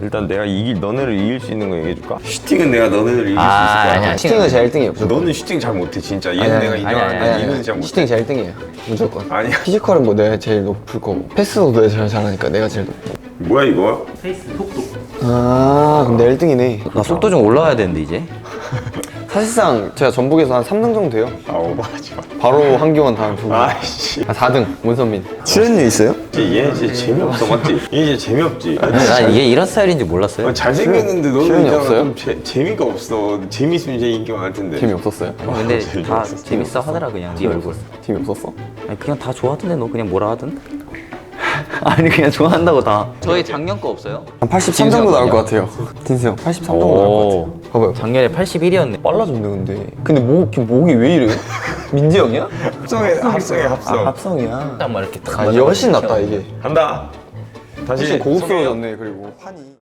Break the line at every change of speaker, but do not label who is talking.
일단 내가 너네를 이길 수 있는 거 얘기해줄까? 슈팅은 내가 너네를 이길 수 있을 거야.
아니야. 슈팅은 제가 1등이에요.
너는 슈팅 잘 못해 진짜. 얘는 내가 인정하는데 얘는 잘 못해.
슈팅 제가 1등이에요. 무조건.
아니야.
피지컬은 뭐 내가 제일 높을 거고 패스도 내가 제일 잘하니까 내가 제일 높고.
뭐야 이거?
페이스 속도.
아 그럼 내 1등이네.
나 속도 좀 올라와야 되는데 이제.
사실상 제가 전북에서 한 3등 정도 돼요.
아 오버하지 마.
바로 한기원 다음 두 분.
아이씨.
4등 문선민.
출연료 있어요?
얘 진짜 재미없어 맞지? 얘 진짜 재미없지?
난 이게 이런 스타일인지 몰랐어요.
잘생겼는데 너는
출연이
있잖아,
없어요?
좀 재미가 없어. 재밌으면 제일 인기 많을 텐데.
재미없었어요?
근데 다 재밌어 하더라 그냥 네 얼굴.
재미없었어?
아니 그냥 다 좋아하던데 너 그냥 뭐라 하든. 아니 그냥 좋아한다고 다. 저희 작년 거 없어요?
한 83 정도 나올 것 같아요. 딘스 형 83 정도 나올 것 같아요. 봐봐요.
작년에 81이었네.
빨라졌네 근데. 근데 목이 왜 이래? 민지 형이야?
합성해 합성.
합성이야.
딱 막 이렇게 딱.
아 이게 훨씬 낫다 이게.
간다. 다시
훨씬 고급스러워졌네 그리고 판이.